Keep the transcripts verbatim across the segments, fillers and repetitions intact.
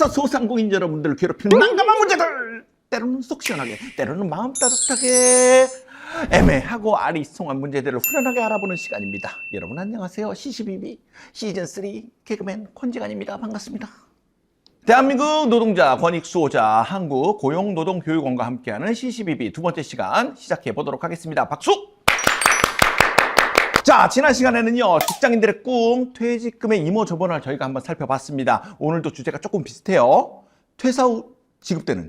회사에서 소상공인 여러분들을 괴롭히는 난감한 문제들, 때로는 속 시원하게, 때로는 마음 따뜻하게 애매하고 아리송한 문제들을 후련하게 알아보는 시간입니다. 여러분 안녕하세요. 씨씨비비 시즌 삼 개그맨 권지관입니다. 반갑습니다. 대한민국 노동자 권익 수호자 한국 고용노동교육원과 함께하는 씨씨비비 두 번째 시간 시작해 보도록 하겠습니다. 박수! 자, 지난 시간에는요, 직장인들의 꿈, 퇴직금의 이모저모를 저희가 한번 살펴봤습니다. 오늘도 주제가 조금 비슷해요. 퇴사 후 지급되는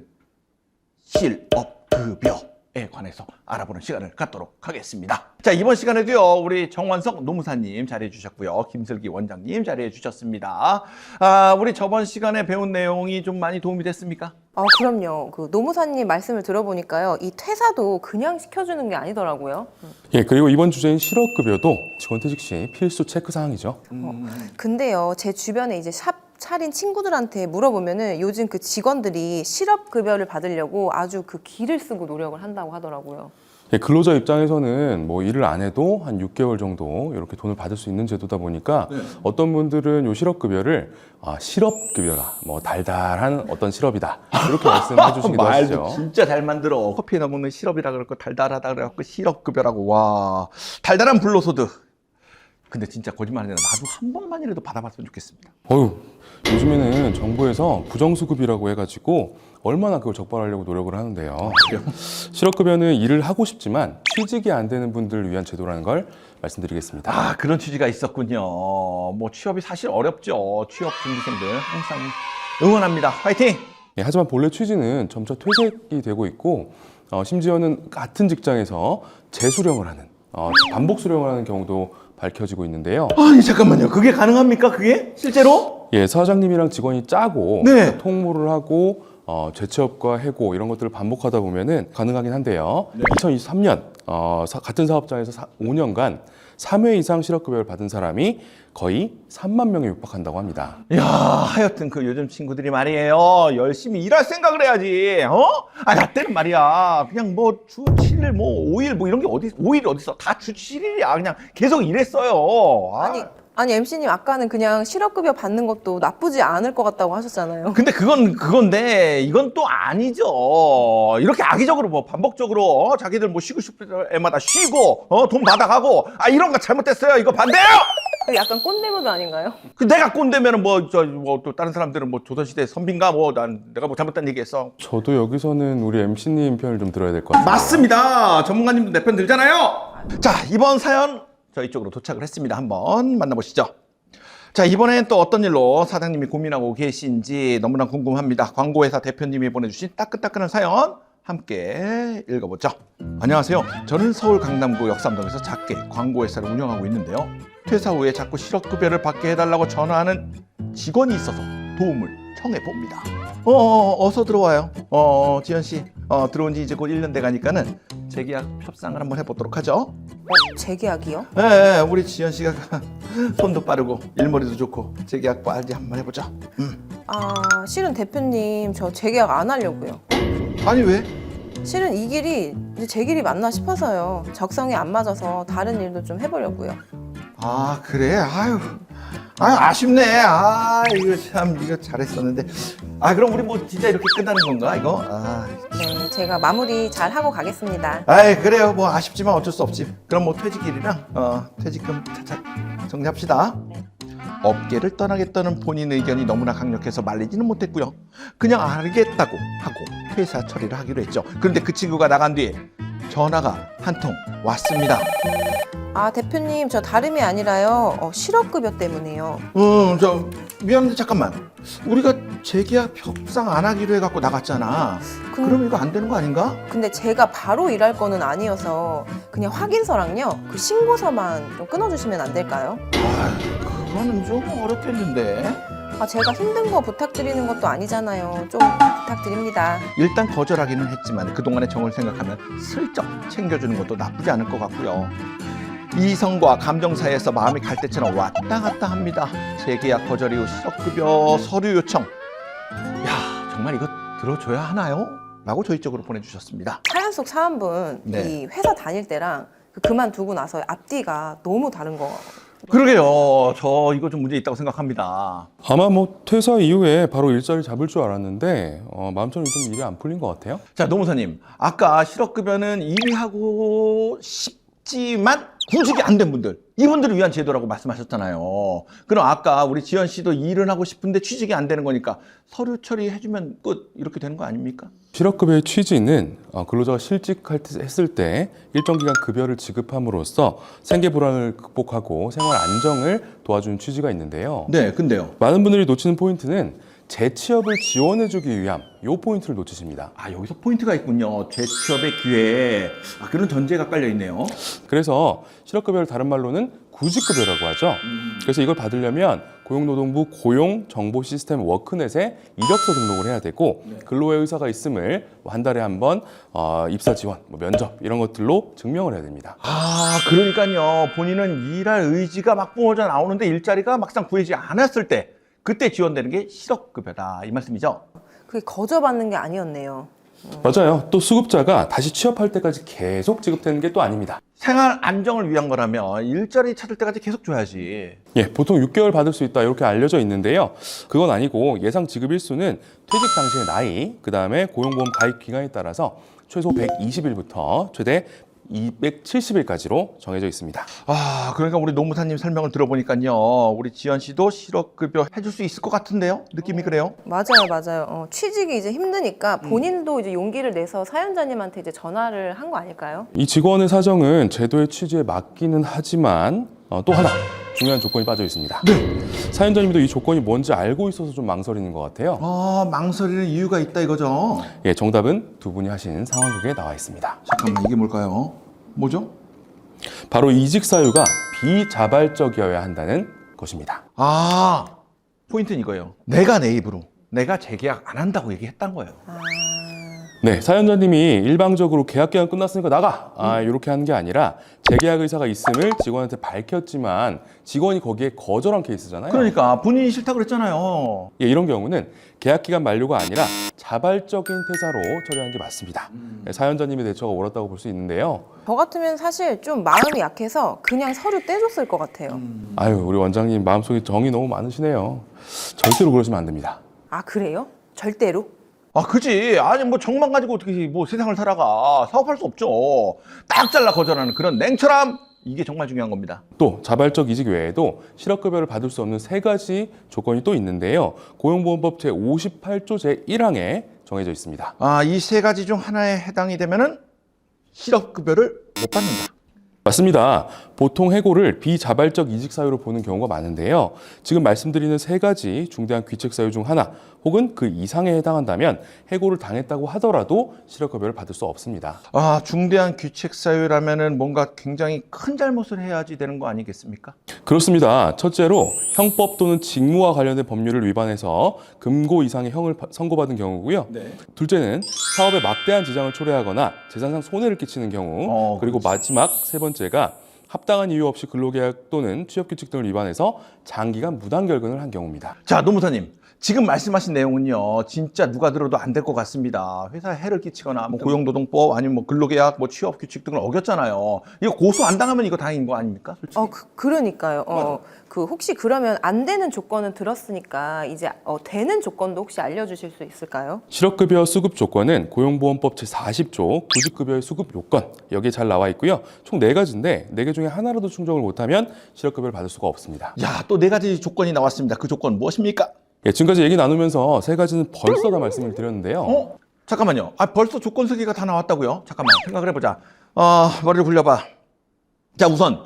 실업급여에 관해서 알아보는 시간을 갖도록 하겠습니다. 자, 이번 시간에도요, 우리 정원석 노무사님 자리해 주셨고요. 김슬기 원장님 자리해 주셨습니다. 아, 우리 저번 시간에 배운 내용이 좀 많이 도움이 됐습니까? 아, 그럼요. 그 노무사님 말씀을 들어보니까요, 이 퇴사도 그냥 시켜주는 게 아니더라고요. 예, 그리고 이번 주제인 실업급여도 직원 퇴직 시 필수 체크 사항이죠. 어, 근데요, 제 주변에 이제 샵 차린 친구들한테 물어보면은 요즘 그 직원들이 실업급여를 받으려고 아주 그 기를 쓰고 노력을 한다고 하더라고요. 예, 근로자 입장에서는 뭐 일을 안 해도 한 육 개월 정도 이렇게 돈을 받을 수 있는 제도다 보니까 네. 어떤 분들은 요 실업급여를 아, 실업급여라, 뭐 달달한 어떤 실업이다 이렇게 말씀해 주시기도 하시죠. 말도 진짜 잘 만들어. 커피에다 먹는 시럽이라 그럴거 달달하다 그래갖고 실업급여라고. 와, 달달한 불로소득. 근데 진짜 거짓말 아니라 나도 한 번만이라도 받아봤으면 좋겠습니다. 어휴, 요즘에는 정부에서 부정수급이라고 해가지고 얼마나 그걸 적발하려고 노력을 하는데요. 실업급여는 일을 하고 싶지만 취직이 안 되는 분들을 위한 제도라는 걸 말씀드리겠습니다. 아, 그런 취지가 있었군요. 뭐 취업이 사실 어렵죠. 취업 준비생들 항상 응원합니다. 화이팅! 예, 하지만 본래 취지는 점차 퇴색이 되고 있고 어, 심지어는 같은 직장에서 재수령을 하는 어, 반복 수령을 하는 경우도 밝혀지고 있는데요. 아니 잠깐만요. 그게 가능합니까? 그게 실제로? 예, 사장님이랑 직원이 짜고 네. 통모를 하고 어, 재취업과 해고 이런 것들을 반복하다 보면은 가능하긴 한데요. 네. 이천이십삼 년 어, 사, 같은 사업장에서 사, 오 년간 삼 회 이상 실업급여를 받은 사람이 거의 삼만 명에 육박한다고 합니다. 야, 하여튼 그 요즘 친구들이 말이에요. 열심히 일할 생각을 해야지. 어? 아, 나 때는 말이야. 그냥 뭐 주 칠 일, 뭐 오 일 뭐 이런 게 어디 오 일 어디 있어? 다 주 칠 일이야. 그냥 계속 일했어요. 아. 아니, 아니 엠씨님 아까는 그냥 실업급여 받는 것도 나쁘지 않을 것 같다고 하셨잖아요. 근데 그건 그건데 이건 또 아니죠. 이렇게 악의적으로 뭐 반복적으로 어? 자기들 뭐 쉬고 싶을 때마다 쉬고 어? 돈 받아가고 아 이런 거 잘못됐어요. 이거 반대요. 그 약간 꼰대모드 아닌가요? 그 내가 꼰대면은 뭐 저 뭐 또 다른 사람들은 뭐 조선시대 선비인가 뭐 난 내가 뭐 잘못된 얘기했어. 저도 여기서는 우리 엠씨님 편을 좀 들어야 될 것 같아요. 맞습니다. 전문가님도 내 편 들잖아요. 자, 이번 사연 저희 쪽으로 도착을 했습니다. 한번 만나보시죠. 자, 이번엔 또 어떤 일로 사장님이 고민하고 계신지 너무나 궁금합니다. 광고회사 대표님이 보내주신 따끈따끈한 사연 함께 읽어보죠. 안녕하세요. 저는 서울 강남구 역삼동에서 작게 광고회사를 운영하고 있는데요. 퇴사 후에 자꾸 실업급여를 받게 해달라고 전화하는 직원이 있어서 도움을 청해봅니다. 어, 어 어서 들어와요. 어, 지현 씨, 어, 들어온 지 이제 곧 일 년 돼 가니까는 재계약 협상을 한번 해보도록 하죠. 어, 재계약이요? 예, 예, 우리 지현 씨가 손도 빠르고 일머리도 좋고 재계약 빨리 한번 해보자. 음. 아, 실은 대표님 저 재계약 안 하려고요. 아니 왜? 실은 이 길이 이제 제 길이 맞나 싶어서요. 적성이 안 맞아서 다른 일도 좀 해보려고요. 아 그래? 아유, 아유 아쉽네. 아 이거 참 이거 잘했었는데. 아 그럼 우리 뭐 진짜 이렇게 끝나는 건가 이거? 아, 네, 제가 마무리 잘 하고 가겠습니다. 아이 그래요. 뭐 아쉽지만 어쩔 수 없지. 그럼 뭐 퇴직일이랑 어, 퇴직금 차차 정리합시다. 업계를 떠나겠다는 본인 의견이 너무나 강력해서 말리지는 못했고요. 그냥 알겠다고 하고 퇴사 처리를 하기로 했죠. 그런데 그 친구가 나간 뒤에 전화가 한 통 왔습니다. 아, 대표님 저 다름이 아니라요. 어, 실업급여 때문에요. 음, 저 미안한데 잠깐만. 우리가 재계약 협상 안 하기로 해갖고 나갔잖아. 근- 그럼 이거 안 되는 거 아닌가? 근데 제가 바로 일할 거는 아니어서 그냥 확인서랑요. 그 신고서만 좀 끊어주시면 안 될까요? 아, 그거는 좀 어렵겠는데. 아, 제가 힘든 거 부탁드리는 것도 아니잖아요. 좀 부탁드립니다. 일단 거절하기는 했지만 그동안의 정을 생각하면 슬쩍 챙겨주는 것도 나쁘지 않을 것 같고요. 이성과 감정 사이에서 마음이 갈 때처럼 왔다 갔다 합니다. 재계약 거절 이후 실업급여 서류 요청. 야, 정말 이거 들어줘야 하나요? 라고 저희 쪽으로 보내주셨습니다. 사연 속 사연분 네. 이 회사 다닐 때랑 그 그만두고 나서 앞뒤가 너무 다른 거 그러게요. 저 이거 좀 문제 있다고 생각합니다. 아마 뭐 퇴사 이후에 바로 일자리 잡을 줄 알았는데 어, 마음처럼 좀 일이 안 풀린 것 같아요. 자, 노무사님. 아까 실업급여는 일이 하고 싶지만 구직이 안 된 분들, 이분들을 위한 제도라고 말씀하셨잖아요. 그럼 아까 우리 지연 씨도 일은 하고 싶은데 취직이 안 되는 거니까 서류 처리해주면 끝 이렇게 되는 거 아닙니까? 실업급여의 취지는 어, 근로자가 실직했을 때 일정 기간 급여를 지급함으로써 생계 불안을 극복하고 생활 안정을 도와주는 취지가 있는데요. 네, 근데요. 많은 분들이 놓치는 포인트는 재취업을 지원해주기 위함, 이 포인트를 놓치십니다. 아, 여기서 포인트가 있군요. 재취업의 기회. 아, 그런 전제가 깔려 있네요. 그래서 실업급여를 다른 말로는 구직급여라고 하죠. 그래서 이걸 받으려면 고용노동부 고용정보시스템 워크넷에 이력서 등록을 해야 되고 근로의 의사가 있음을 한 달에 한 번 어, 입사 지원, 뭐 면접 이런 것들로 증명을 해야 됩니다. 아, 그러니까요. 본인은 일할 의지가 막 뿜어져 나오는데 일자리가 막상 구해지지 않았을 때 그때 지원되는 게 실업급여다 이 말씀이죠? 그게 거저받는 게 아니었네요. 맞아요. 또 수급자가 다시 취업할 때까지 계속 지급되는 게 또 아닙니다. 생활 안정을 위한 거라면 일자리 찾을 때까지 계속 줘야지. 예, 보통 육 개월 받을 수 있다 이렇게 알려져 있는데요. 그건 아니고 예상 지급 일수는 퇴직 당시의 나이, 그 다음에 고용보험 가입 기간에 따라서 최소 백이십 일부터 최대 이백칠십 일까지로 정해져 있습니다. 아, 그러니까 우리 노무사님 설명을 들어보니까요. 우리 지연 씨도 실업급여 해줄 수 있을 것 같은데요? 느낌이 그래요? 맞아요, 맞아요. 어, 취직이 이제 힘드니까 본인도 이제 용기를 내서 사연자님한테 이제 전화를 한 거 아닐까요? 이 직원의 사정은 제도의 취지에 맞기는 하지만 어, 또 하나 중요한 조건이 빠져 있습니다. 사연자님도 이 조건이 뭔지 알고 있어서 좀 망설이는 것 같아요. 아, 망설이는 이유가 있다 이거죠? 예, 정답은 두 분이 하신 상황극에 나와 있습니다. 잠깐만, 이게 뭘까요? 뭐죠? 바로 이직 사유가 비자발적이어야 한다는 것입니다. 아, 포인트는 이거예요. 내가 내 입으로 내가 재계약 안 한다고 얘기했단 거예요. 아, 네, 사연자님이 일방적으로 계약 기간 끝났으니까 나가! 아, 이렇게 하는 게 아니라 재계약 의사가 있음을 직원한테 밝혔지만 직원이 거기에 거절한 케이스잖아요. 그러니까 본인이 싫다고 그랬잖아요. 예, 이런 경우는 계약 기간 만료가 아니라 자발적인 퇴사로 처리하는 게 맞습니다. 네, 사연자님의 대처가 옳았다고 볼 수 있는데요. 저 같으면 사실 좀 마음이 약해서 그냥 서류 떼줬을 것 같아요. 아유, 우리 원장님 마음속에 정이 너무 많으시네요. 절대로 그러시면 안 됩니다. 아, 그래요? 절대로? 아, 그지. 아니, 뭐, 정만 가지고 어떻게 뭐 세상을 살아가. 사업할 수 없죠. 딱 잘라 거절하는 그런 냉철함. 이게 정말 중요한 겁니다. 또 자발적 이직 외에도 실업급여를 받을 수 없는 세 가지 조건이 또 있는데요. 고용보험법 제오십팔 조 제일 항에 정해져 있습니다. 아, 이 세 가지 중 하나에 해당이 되면은 실업급여를 못 받는다. 맞습니다. 보통 해고를 비자발적 이직 사유로 보는 경우가 많은데요. 지금 말씀드리는 세 가지 중대한 귀책 사유 중 하나 혹은 그 이상에 해당한다면 해고를 당했다고 하더라도 실업급여를 받을 수 없습니다. 아, 중대한 귀책 사유라면은 뭔가 굉장히 큰 잘못을 해야지 되는 거 아니겠습니까? 그렇습니다. 첫째로 형법 또는 직무와 관련된 법률을 위반해서 금고 이상의 형을 파- 선고받은 경우고요. 네. 둘째는 사업에 막대한 지장을 초래하거나 재산상 손해를 끼치는 경우. 어, 그리고 마지막 세 번째가 합당한 이유 없이 근로계약 또는 취업규칙 등을 위반해서 장기간 무단결근을 한 경우입니다. 자, 노무사님. 지금 말씀하신 내용은요, 진짜 누가 들어도 안 될 것 같습니다. 회사에 해를 끼치거나, 뭐 고용노동법 아니면 뭐 근로계약, 뭐 취업규칙 등을 어겼잖아요. 이거 고소 안 당하면 이거 다행인 거 아닙니까? 솔직히. 어, 그, 그러니까요. 어, 그 혹시 그러면 안 되는 조건은 들었으니까 이제 어, 되는 조건도 혹시 알려주실 수 있을까요? 실업급여 수급 조건은 고용보험법 제사십 조 구직급여의 수급 요건 여기에 잘 나와 있고요. 총 네 가지인데 네 개 중에 하나라도 충족을 못하면 실업급여를 받을 수가 없습니다. 야, 또 네 가지 조건이 나왔습니다. 그 조건 무엇입니까? 예, 지금까지 얘기 나누면서 세 가지는 벌써 다 말씀을 드렸는데요. 어? 잠깐만요. 아, 벌써 조건 세 개가 다 나왔다고요? 잠깐만, 생각을 해보자. 어, 머리를 굴려봐. 자, 우선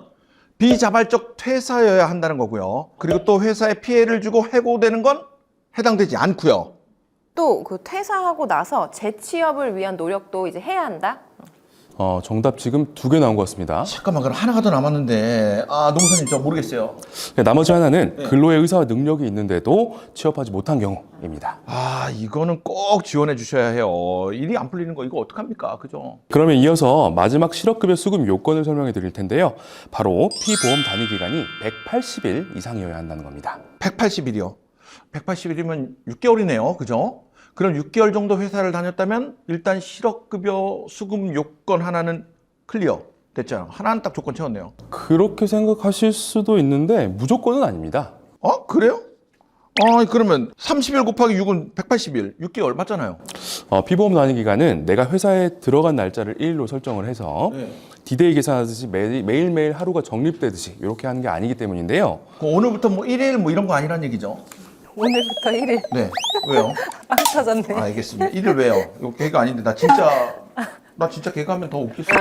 비자발적 퇴사여야 한다는 거고요. 그리고 또 회사에 피해를 주고 해고되는 건 해당되지 않고요. 또 그 퇴사하고 나서 재취업을 위한 노력도 이제 해야 한다? 어, 정답 지금 두 개 나온 것 같습니다. 잠깐만, 그럼 하나가 더 남았는데, 아, 농사님 저 모르겠어요. 네, 나머지 하나는 근로의 의사와 능력이 있는데도 취업하지 못한 경우입니다. 아, 이거는 꼭 지원해 주셔야 해요. 일이 안 풀리는 거 이거 어떡합니까? 그죠? 그러면 이어서 마지막 실업급여 수급 요건을 설명해 드릴 텐데요. 바로 피보험 단위 기간이 백팔십 일 이상이어야 한다는 겁니다. 백팔십 일이요. 백팔십 일이면 육 개월이네요. 그죠? 그럼 육 개월 정도 회사를 다녔다면 일단 실업급여 수급 요건 하나는 클리어. 됐잖아요. 하나는 딱 조건 채웠네요. 그렇게 생각하실 수도 있는데 무조건은 아닙니다. 어? 그래요? 아, 그러면 삼십 일 곱하기 육은 백팔십 일, 육 개월 맞잖아요. 어, 피보험 단위 기간은 내가 회사에 들어간 날짜를 일 일로 설정을 해서 네. 디데이 계산하듯이 매, 매일매일 하루가 적립되듯이 이렇게 하는 게 아니기 때문인데요. 그 오늘부터 뭐 일 일 뭐 이런 거 아니란 얘기죠? 오늘부터 일 일 네. 왜요? 빵 터졌네. 아, 알겠습니다. 일 일 왜요? 이거 개그 아닌데 나 진짜 나 진짜 개그하면 더 웃겠어요.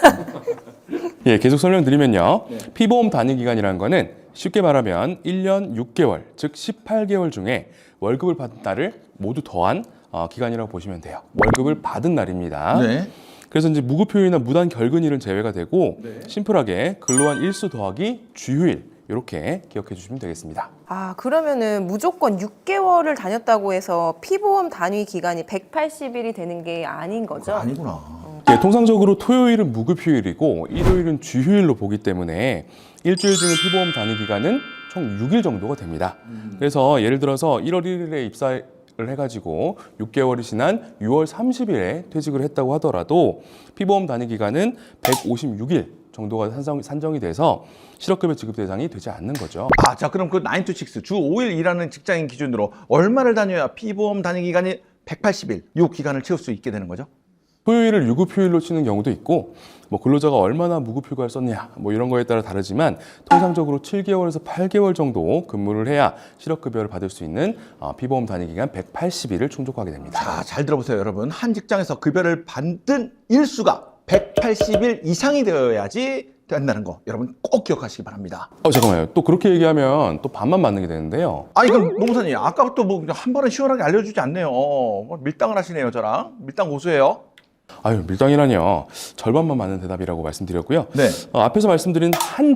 예, 계속 설명드리면요. 피보험 단위 기간이라는 거는 쉽게 말하면 일 년 육 개월, 즉 십팔 개월 중에 월급을 받은 날을 모두 더한 어, 기간이라고 보시면 돼요. 월급을 받은 날입니다. 네. 그래서 이제 무급휴일이나 무단 결근일은 제외가 되고 네. 심플하게 근로한 일수 더하기 주휴일 이렇게 기억해 주시면 되겠습니다. 아, 그러면은 무조건 육 개월을 다녔다고 해서 피보험 단위 기간이 백팔십 일이 되는 게 아닌 거죠? 아니구나. 예, 통상적으로 토요일은 무급휴일이고 일요일은 주휴일로 보기 때문에 일주일 중에 피보험 단위 기간은 총 육 일 정도가 됩니다. 그래서 예를 들어서 일월 일일에 입사를 해가지고 육 개월이 지난 유월 삼십일에 퇴직을 했다고 하더라도 피보험 단위 기간은 백오십육 일 정도가 산정, 산정이 돼서 실업급여 지급 대상이 되지 않는 거죠. 아, 자, 그럼 그 나인 투 식스 주 오 일 일하는 직장인 기준으로 얼마를 다녀야 피보험 단위 기간이 백팔십 일 이 기간을 채울 수 있게 되는 거죠? 토요일을 유급휴일로 치는 경우도 있고 뭐 근로자가 얼마나 무급휴가를 썼냐 뭐 이런 거에 따라 다르지만 통상적으로 칠 개월에서 팔 개월 정도 근무를 해야 실업급여를 받을 수 있는 어, 피보험 단위 기간 백팔십 일을 충족하게 됩니다. 자, 잘 들어보세요, 여러분. 한 직장에서 급여를 받은 일수가 백팔십 일 이상이 되어야지 된다는 거 여러분 꼭 기억하시기 바랍니다. 어 잠깐만요. 또 그렇게 얘기하면 또 반만 맞는 게 되는데요. 아, 이건 노무사님 아까부터 뭐 한 번은 시원하게 알려주지 않네요. 뭐 밀당을 하시네요, 저랑. 밀당 고수예요. 아유 밀당이라뇨. 절반만 맞는 대답이라고 말씀드렸고요. 네. 어, 앞에서 말씀드린 한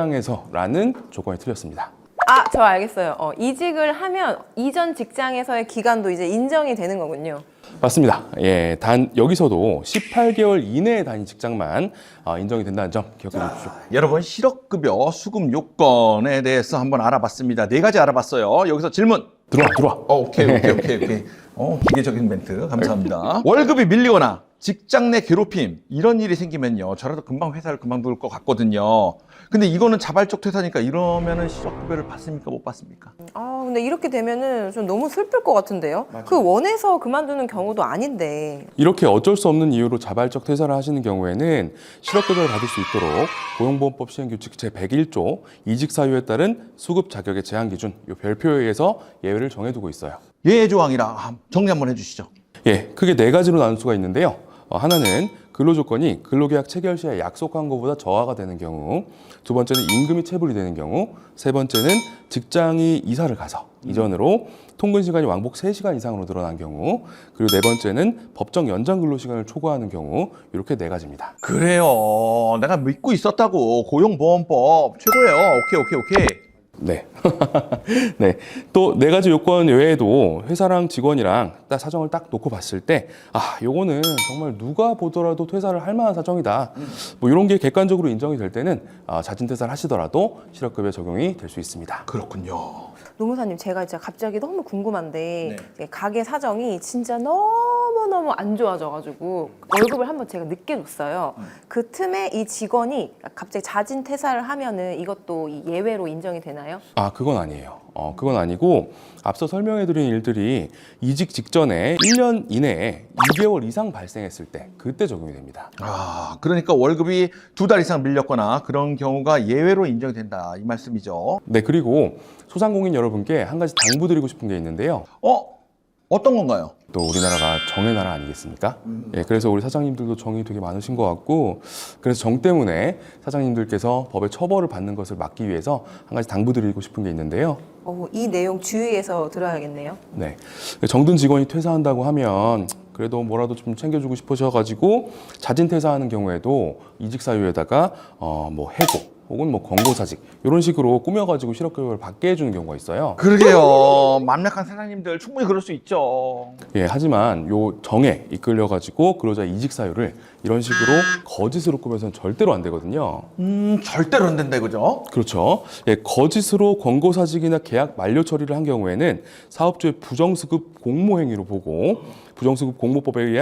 직장에서라는 조건이 틀렸습니다. 아, 저 알겠어요. 어, 이직을 하면 이전 직장에서의 기간도 이제 인정이 되는 거군요. 맞습니다. 예, 단 여기서도 십팔 개월 이내에 다닌 직장만 어, 인정이 된다는 점 기억해 주십시오. 여러분, 실업급여 수급 요건에 대해서 한번 알아봤습니다. 네 가지 알아봤어요. 여기서 질문. 들어와, 들어와. 어, 오케이, 오케이, 오케이, 오케이. 어, 기계적인 멘트 감사합니다. 월급이 밀리거나 직장 내 괴롭힘 이런 일이 생기면요, 저라도 금방 회사를 그만둘 것 같거든요. 근데 이거는 자발적 퇴사니까 이러면은 실업급여를 받습니까, 못 받습니까? 아, 근데 이렇게 되면은 좀 너무 슬플 것 같은데요? 그 원해서 그만두는 경우도 아닌데. 이렇게 어쩔 수 없는 이유로 자발적 퇴사를 하시는 경우에는 실업급여를 받을 수 있도록 고용보험법 시행규칙 제백일 조 이직 사유에 따른 수급 자격의 제한 기준 이 별표에 의해서 예외를 정해두고 있어요. 예외 조항이라 아, 정리 한번 해주시죠. 예, 크게 네 가지로 나눌 수가 있는데요. 어, 하나는 근로조건이 근로계약 체결 시에 약속한 것보다 저하가 되는 경우, 두 번째는 임금이 체불이 되는 경우, 세 번째는 직장이 이사를 가서 이전으로 통근 시간이 왕복 세 시간 이상으로 늘어난 경우, 그리고 네 번째는 법정 연장 근로 시간을 초과하는 경우, 이렇게 네 가지입니다. 그래요. 내가 믿고 있었다고. 고용보험법 최고예요. 오케이, 오케이, 오케이. 네. 네. 또 네 가지 요건 외에도 회사랑 직원이랑 딱 사정을 딱 놓고 봤을 때, 아, 요거는 정말 누가 보더라도 퇴사를 할 만한 사정이다. 뭐 이런 게 객관적으로 인정이 될 때는 아, 자진 퇴사를 하시더라도 실업급여 적용이 될 수 있습니다. 그렇군요. 노무사님, 제가 진짜 갑자기 너무 궁금한데 네. 가게 사정이 진짜 너무너무 안 좋아져가지고 월급을 한번 제가 늦게 줬어요. 그 틈에 이 직원이 갑자기 자진 퇴사를 하면은 이것도 이 예외로 인정이 되나요? 아, 그건 아니에요. 어, 그건 아니고 앞서 설명해드린 일들이 이직 직전에 일 년 이내에 이 개월 이상 발생했을 때 그때 적용이 됩니다. 아, 그러니까 월급이 두 달 이상 밀렸거나 그런 경우가 예외로 인정이 된다 이 말씀이죠. 네, 그리고 소상공인 여러분께 한 가지 당부드리고 싶은 게 있는데요. 어? 어떤 건가요? 또 우리나라가 정의 나라 아니겠습니까? 예, 그래서 우리 사장님들도 정이 되게 많으신 것 같고, 그래서 정 때문에 사장님들께서 법의 처벌을 받는 것을 막기 위해서 한 가지 당부드리고 싶은 게 있는데요. 어, 이 내용 주의해서 들어야겠네요. 네, 정든 직원이 퇴사한다고 하면 그래도 뭐라도 좀 챙겨주고 싶으셔가지고 자진 퇴사하는 경우에도 이직 사유에다가 어, 뭐 해고 혹은 뭐 권고사직 이런 식으로 꾸며가지고 실업급여를 받게 해주는 경우가 있어요. 그러게요. 맘약한 사장님들 충분히 그럴 수 있죠. 예, 하지만 요 정에 이끌려가지고 근로자 이직 사유를 이런 식으로 거짓으로 꾸며서는 절대로 안 되거든요. 음, 절대로 안 된다 이거죠. 그렇죠. 예, 거짓으로 권고사직이나 계약 만료 처리를 한 경우에는 사업주의 부정수급 공모행위로 보고 부정수급 공모법에 의해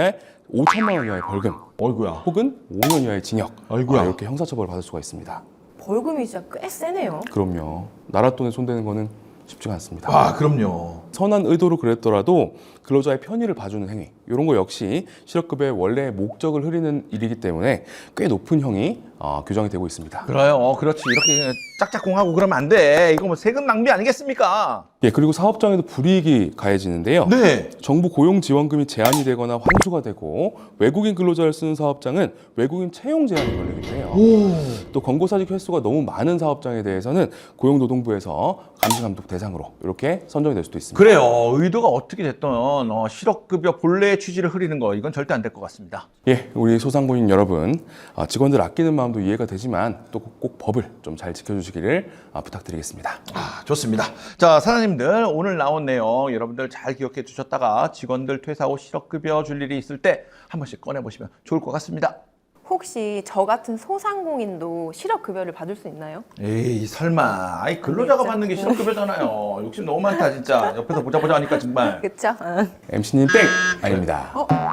오천만 원 이하의 벌금 어이구야. 혹은 오 년 이하의 징역 아이고야. 아, 이렇게 형사처벌을 받을 수가 있습니다. 벌금이 진짜 꽤 세네요. 그럼요. 나라 돈에 손대는 거는 쉽지가 않습니다. 아, 그럼요. 선한 의도로 그랬더라도 근로자의 편의를 봐주는 행위 이런 거 역시 실업급여의 원래 목적을 흐리는 일이기 때문에 꽤 높은 형이 어, 규정이 되고 있습니다. 그래요. 어, 그렇지. 이렇게 짝짝꿍하고 그러면 안 돼. 이거 뭐 세금 낭비 아니겠습니까? 예, 그리고 사업장에도 불이익이 가해지는데요. 네. 정부 고용 지원금이 제한이 되거나 환수가 되고 외국인 근로자를 쓰는 사업장은 외국인 채용 제한이 걸리기도 해요. 오. 또 권고사직 횟수가 너무 많은 사업장에 대해서는 고용노동부에서 감시감독 대상으로 이렇게 선정이 될 수도 있습니다. 그래요. 의도가 어떻게 됐든 어, 실업급여 본래의 취지를 흐리는 거 이건 절대 안 될 것 같습니다. 예, 우리 소상공인 여러분, 아, 직원들 아끼는 마음도 이해가 되지만 또 꼭 법을 좀 잘 지켜주시기를 아, 부탁드리겠습니다. 아, 좋습니다. 자, 사장님들 오늘 나온 내용 여러분들 잘 기억해 주셨다가 직원들 퇴사 후 실업급여 줄 일이 있을 때 한 번씩 꺼내보시면 좋을 것 같습니다. 혹시 저 같은 소상공인도 실업급여를 받을 수 있나요? 에이, 설마. 아이, 근로자가 진짜. 받는 게 실업급여잖아요. 욕심 너무 많다, 진짜. 옆에서 보자 보자 하니까 정말. 그쵸? 어. 엠씨님 땡! 아닙니다.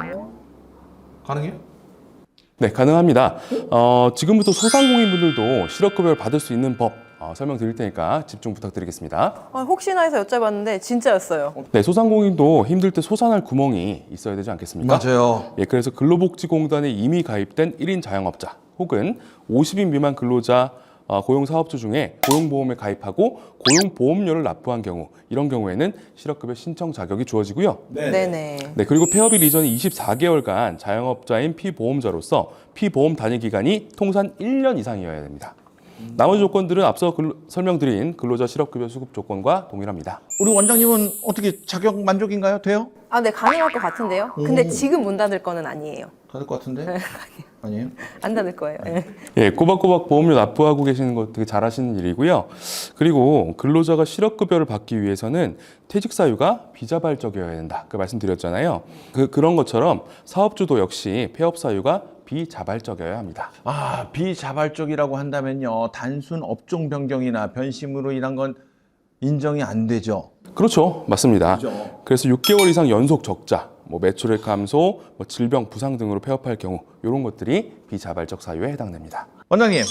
가능해요? 네, 가능합니다. 어, 지금부터 소상공인분들도 실업급여를 받을 수 있는 법 어, 설명드릴 테니까 집중 부탁드리겠습니다. 아, 혹시나 해서 여쭤봤는데 진짜였어요. 네, 소상공인도 힘들 때 솟아날 구멍이 있어야 되지 않겠습니까? 맞아요. 예, 그래서 근로복지공단에 이미 가입된 일 인 자영업자 혹은 오십 인 미만 근로자 어, 고용사업주 중에 고용보험에 가입하고 고용보험료를 납부한 경우 이런 경우에는 실업급여 신청 자격이 주어지고요. 네네. 네, 그리고 폐업일 이전 이십사 개월간 자영업자인 피보험자로서 피보험 단위 기간이 통산 일 년 이상이어야 됩니다. 나머지 조건들은 앞서 근로, 설명드린 근로자 실업급여 수급 조건과 동일합니다. 우리 원장님은 어떻게 자격 만족인가요? 돼요? 아, 네, 가능할 것 같은데요? 근데 지금 문 닫을 거는 아니에요. 될 것 같은데? 아니에요? 안 닫을 거예요. 네. 예, 꼬박꼬박 보험료 납부하고 계시는 거 되게 잘하시는 일이고요. 그리고 근로자가 실업급여를 받기 위해서는 퇴직 사유가 비자발적이어야 된다. 그 말씀드렸잖아요. 그, 그런 것처럼 사업주도 역시 폐업 사유가 비자발적이어야 합니다. 아, 비자발적이라고 한다면요. 단순 업종 변경이나 변심으로 인한 건 인정이 안 되죠. 그렇죠, 맞습니다. 그죠. 그래서 육 개월 이상 연속 적자, 뭐 매출액 감소, 뭐 질병, 부상 등으로 폐업할 경우 이런 것들이 비자발적 사유에 해당됩니다. 원장님,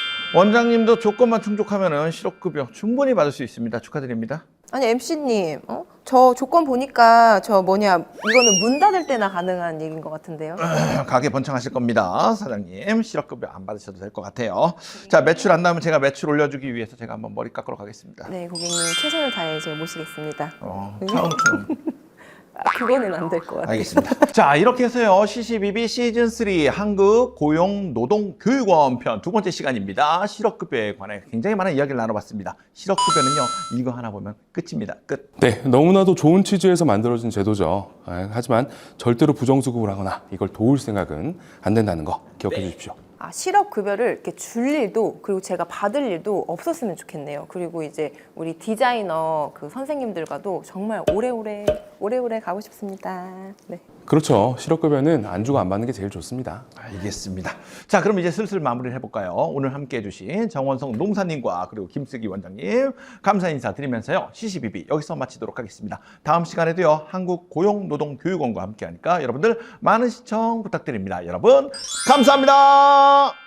원장님도 조건만 충족하면 실업급여 충분히 받을 수 있습니다. 축하드립니다. 아니, 엠씨님, 어? 저 조건 보니까 저 뭐냐, 이거는 문 닫을 때나 가능한 얘기인 것 같은데요? 가게 번창하실 겁니다. 사장님, 실업급여 안 받으셔도 될 것 같아요. 자, 매출 안 나오면 제가 매출 올려주기 위해서 제가 한번 머리 깎으러 가겠습니다. 네, 고객님 최선을 다해 제가 모시겠습니다. 어, 처음처럼. 아, 그거는 안 될 것 같아요. 알겠습니다. 자, 이렇게 해서요. 씨씨비비 시즌 삼 한국 고용 노동 교육원 편 두 번째 시간입니다. 실업급여에 관해 굉장히 많은 이야기를 나눠봤습니다. 실업급여는요, 이거 하나 보면 끝입니다. 끝. 네, 너무나도 좋은 취지에서 만들어진 제도죠. 아, 하지만 절대로 부정수급을 하거나 이걸 도울 생각은 안 된다는 거 기억해 주십시오. 아, 실업급여를 이렇게 줄 일도, 그리고 제가 받을 일도 없었으면 좋겠네요. 그리고 이제 우리 디자이너 그 선생님들과도 정말 오래오래, 오래오래 가고 싶습니다. 네. 그렇죠. 실업급여는 안 주고 안 받는 게 제일 좋습니다. 알겠습니다. 자, 그럼 이제 슬슬 마무리를 해볼까요? 오늘 함께 해주신 정원성 농사님과 그리고 김쓰기 원장님 감사 인사 드리면서요. 씨씨비비 여기서 마치도록 하겠습니다. 다음 시간에도요. 한국 고용노동교육원과 함께 하니까 여러분들 많은 시청 부탁드립니다. 여러분 감사합니다.